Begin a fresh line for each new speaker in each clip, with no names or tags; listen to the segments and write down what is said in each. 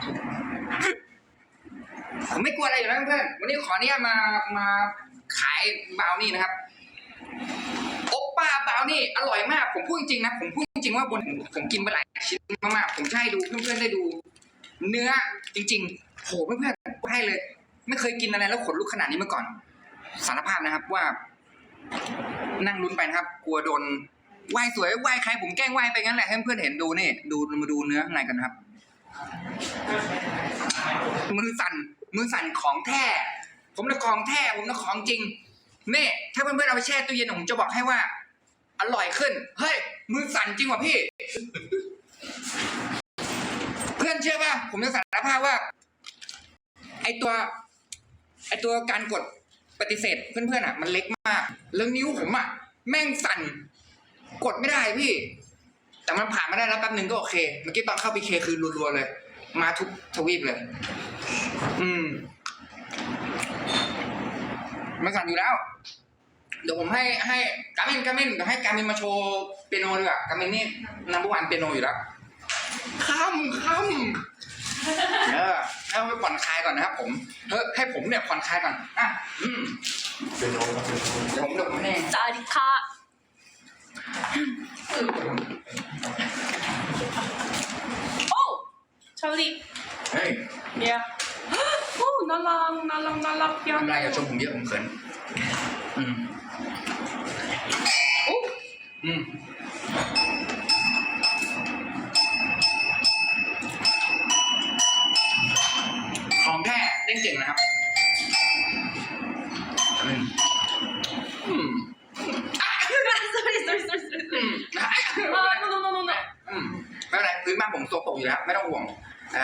ผมไม่กลัวอะไรอยู่แล้วเพื่อนวันนี้ขออนุญาตมาขายบราวนี่นะครับโอปป้าบราวนี่อร่อยมากผมพูดจริงๆนะผมพูดจริงๆว่าผมกินไปหลายชิ้นมากๆผมจะให้ดูเพื่อนๆได้ดูเนื้อจริงๆโหเพื่อนๆให้เลยไม่เคยกินอะไรแล้วขนลุกขนาดนี้มาก่อนสารภาพนะครับว่านั่งลุ้นไปนะครับกลัวโดนไหว้สวยไหว้ใครผมแกล้งไหว้ไปงั้นแหละให้เพื่อนๆเห็นดูนี่ดูมาดูเนื้อข้างในกันครับมือสั่นของแท้ผมนะของแท้ผมนะของจริงนี่ถ้าเพื่อนๆเอาไปแช่ตู้เย็นผมจะบอกให้ว่าอร่อยขึ้นเฮ้ยมือสั่นจริงว่ะพี่เพื่อนเชื่อป่ะผมจะสารภาพว่าไอตัวการกดปฏิเสธเพื่อนๆอ่ะมันเล็กมากแล้วนิ้วผมอ่ะแม่งสั่นกดไม่ได้พี่แต่มันผ่านมาได้แล้วแป๊บนึงก็โอเคเมื่อกี้ตอนเข้าพีเคคือรัวๆเลยมาทุกทวีปเลยมันสั่นอยู่แล้วเดี๋ยวผมให้กามินเดี๋ยวให้กามินมาโชว์เปียโนดีกว่ากามินนี่นัมเบอร์วันเปียโนอยู่แล้วค่ำให้ไปผ่อนคลายก่อนนะครับผมให้ผมเนี่ยผ่อนคลายก่อนอ่ะ
เป็นโน้ตครับ
เดี๋ยวผมให้
สวัสดีค่ะโอ้ชาวลี
เฮ้ย
เนี่ยโอ้น่ารัก
ยังไงอย่าชมผมเยอะผมเขิน
โอ้
ของแท้เล่นเก่งนะครับไม่เป็นไรพื้นบ้านผมโซโปกอยู่แล้วไม่ต้องห่วง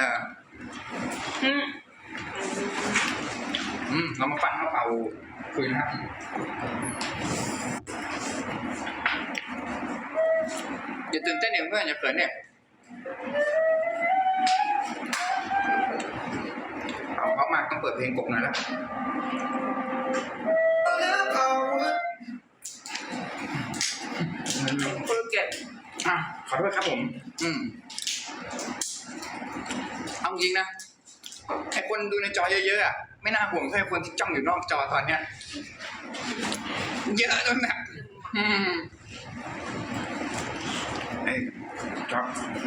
เรามาฟังเขาเป่าคุยนะครับอย่าตื่นเต้นเนี่ยเพื่อนอย่าเขินเนี่ยเอาเขามาต้องเปิดเพลงกบหน่อยแล้วขอโทษครับผมเอาจริงนะไอ้คนดูในจอเยอะๆอ่ะไม่น่าห่วงแค่คนที่จ้องอยู่นอกจอตอนเนี้ยเยอะจนแบบเฮ้ยครับ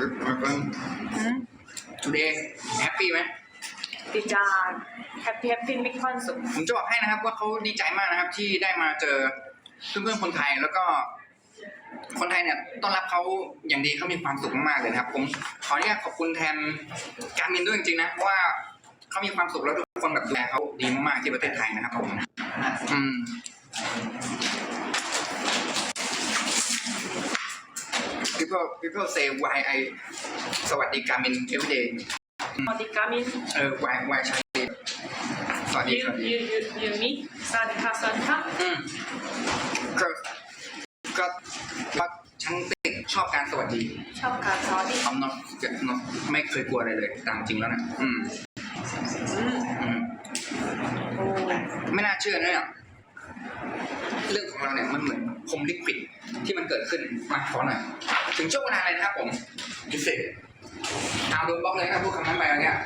today happy ไหม
ดีใจแฮปปี้มีความสุข
ผมจะบอกให้นะครับว่าเขาดีใจมากนะครับที่ได้มาเจอเพื่อนๆคนไทยแล้วก็คนไทยเนี่ยต้อนรับเขาอย่างดีเขามีความสุขมากๆเลยนะครับผมขออนุญาตขอบคุณแทนการมินด้วยจริงๆนะว่าเขามีความสุขแล้วทุกคนแบบดูแลเขาดีมากๆที่ประเทศไทยนะครับผมpeople say why I สวัสดีการมิน every day
สวัสดีการมิน
why ใช้สวัสดี
you me สวัสดีค่ะ
ก็ฉันชอบการสวัสดีI'm not ไม่เคยกลัวอะไรเลยตามจริงแล้วนะไม่น่าเชื่อนะเนี่ยเรื่องของเราเนี่ยมันเหมือนพรมลิควิดที่มันเกิดขึ้นมาขอหน่อยถึงช่วงเวลาอะไรนะครับผมพิเศษเอาโดนบล็อกเลยนะพูดคำนั้นไปแล้วเนี่ย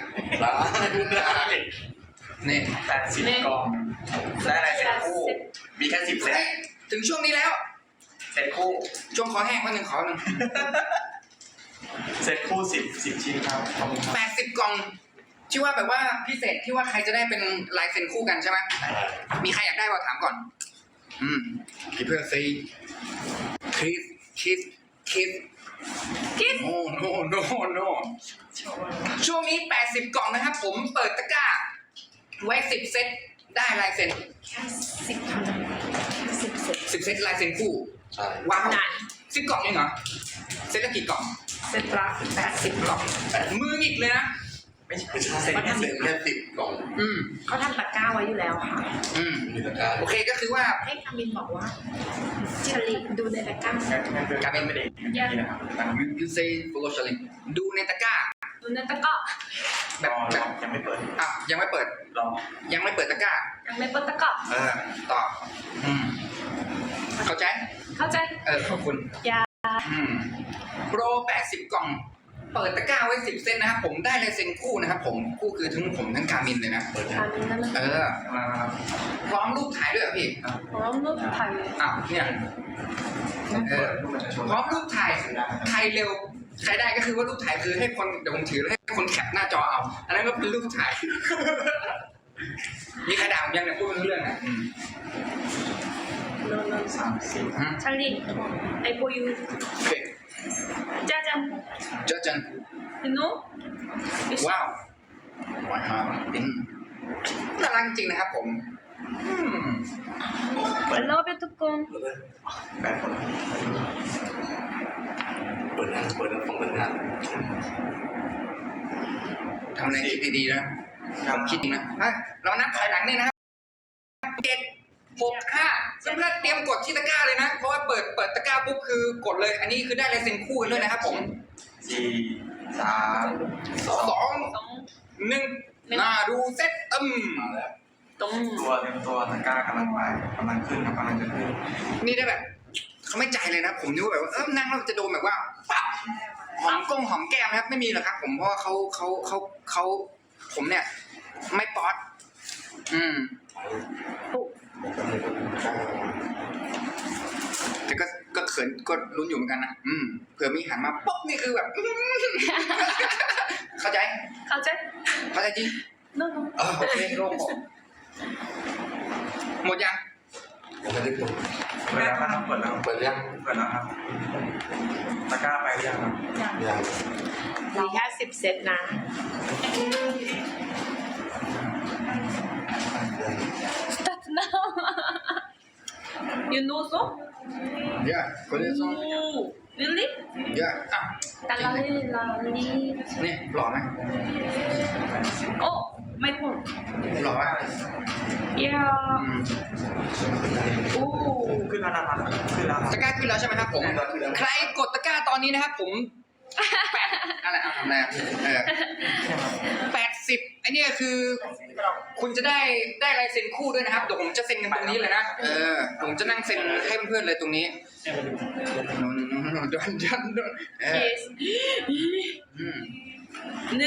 นี่
80 กล่องได้อะไรเซ็ตคู่มีแค่10 เซ็ต
ถึงช่วงนี้แล้ว
เซ็ตคู่
ช่วงขอแห้งวันหนึ่งขอหนึ่ง
เซ็ตคู่10 ชิ้นครับ
80 กล่องที่ว่าแบบว่าพิเศษที่ว่าใครจะได้เป็นลายเซ็นคู่กันใช่ไหมมีใครอยากได้บ้างถามก่อนพี่เพื่อนซีคิดno ช่วงนี้80 กล่องนะครับผมเปิดตะกร้าไว้10 เซตได้ลายเซ็น10 เซตลายเซ็นคู่ว้าว10 กล่องเองเหรอเซตละกี่กล่อง
เซตละ80 กล่อง
มืออีกเลยนะ
ไม่ใช่เซ็ตแค่10 กล่อง
เขาทำตะกร้าไว้อยู่แล้วค่ะ
โอเคก็คือว่า
ให้คามินบอกว่าชลิดูในตะกร้า
การเป็นไม่ได้นี่นะครับyou say follow ชลิดูในตะกร้าแบบ
ยังไม่เปิด
ยังไม่เปิดยังไม่เปิดตะกร้าต่อเข้าใจ
ขอบคุณ
โปร80 กล่องเปิดตะกร้าไว้10 เซตนะครับผมได้ลายเซ็นคู่นะครับผมคู่คือทั้งผมทั้งการมินเลยนะ
가민은
เออ
มาครับ
พร้อมรูปถ่ายด้วยเหรอพี่
너무 달.
อ้าวเนี่ยเออ
รูปประชาชน
พร้อมรูปถ่ายใครเร็วใครได้ก็คือว่ารูปถ่ายคือให้คนเดี๋ยวผมถือแล้วให้คนแคปหน้าจอเอาอันนั้นก็เป็นรูปถ่าย มีใครด่าผมยังเนี่ยพูดไม่รู้เรื่องอ่ะ
너는
30
อืม
찰리. I for you.
โอเค
짜잔.
เจอจัง
You know?
ว้าวว้าวอืมน่ารักจริงนะครับผมอืม
I love you 뚜껑.
8 คนเปิดนะผมเปิดนะ
ทำอะไรคิดดีๆนะผมคิดจริงนะอ่ะเรานับถอยหลังนี่นะครับ7 6 5เพื่อนๆเตรียมกดที่ตะกร้าเลยนะเพราะว่าเปิดตะกร้าปุ๊บคือกดเลย อันนี้คือได้ลายเซ็นคู่กันด้วยนะครับผม
4 3
2 1น่าดูเซ็ตตึม
มาแล้ว
너무
ตัวเตรียมตัวตะกร้ากำลังไปกำลังขึ้นครับกำลังจะขึ้น
นี่ได้แบบเขาไม่ใจเลยนะ ผมนึกว่าแบบว่านั่งแล้วจะโดนแบบว่าปั๊บหอมก้งหอมแก้มนะครับไม่มีหรอกครับ ผมเพราะว่าเขาผมเนี่ย ไม่ป๊อตแต่ก็เขินก็ลุ้นอยู่เหมือนกันนะเผื่อมีหันมาป๊อกนี่คือแบบ เข้าใจ
가자.
เข้าใจจริง
No no.
โอเคโล่งอกหมดยัง
ไม่ได้เปิดแล้วครับเปิดแล้วเปิดยังเปิดแล้วครับตะกร้าไปหรือยังครับยัง
우리 50 셋 나. Start now. You know so?
เยอะคนนี้ส่ง
Oh, really?
เยอะอ่ะ
달라리.
นี่หล่อไหม
Oh, my phone.
หล่อไหม
Yeah.
อืม
Oh.
ขึ้นแล้วนะครับขึ้นแล้วครับ
ตะกร้าขึ้นแล้วใช่ไหมครับผม
ขึ้นแล้ว
ใครกดตะกร้าตอนนี้นะครับผมแปดอะไรเอาทำอะไรอ่ะ80ไอ้เนี่ยคือ คุณจะได้ลายเซ็นคู่ด้วยนะครับเดี๋ยวผมจะเซ็นกันตรงนี้เลยนะผมจะนั่งเซ็นให้เพื่อนๆเลยตรงนี้ดน
Yes.
อืม
는,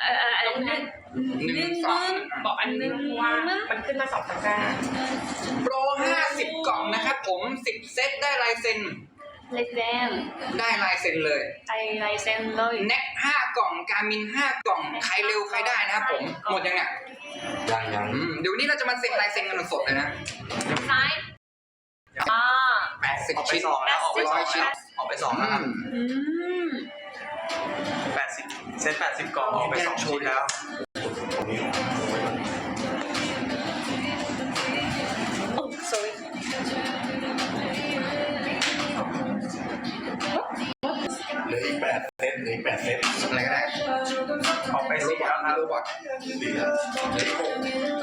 บอกอันนึงว่ามันขึ้นมา2 ตะกร้า
โปร50 กล่องนะครับผม10 เซตได้ลายเซ็น
เลเซน
ได้ลายเซ็นเลย
ไอลายเซนเลย
แน็ก5 กล่องการมิน5 กล่องใครเร็วใครได้นะครับผมหมดยังเนี่ย
ยัง
เดี๋ยวนี้เราจะมาเซ็นลายเซ็นกันสดๆเลยนะ
ซ้ายอ่า
ออก
80
ไป
ชิ้น
สองแล้วออกไปสอง
100 ชิ้น
แล้วออกไป2แล้วครับ
อืม
80เซต80 กล่องออกไป2ชิ้นแล้ว
โอ้ sorry
เหลืออีก8เซตเหลืออีก8เซต
อะไรก็ได้
ออกไป4แล้วครับ
โรบอท
เหลืออีก6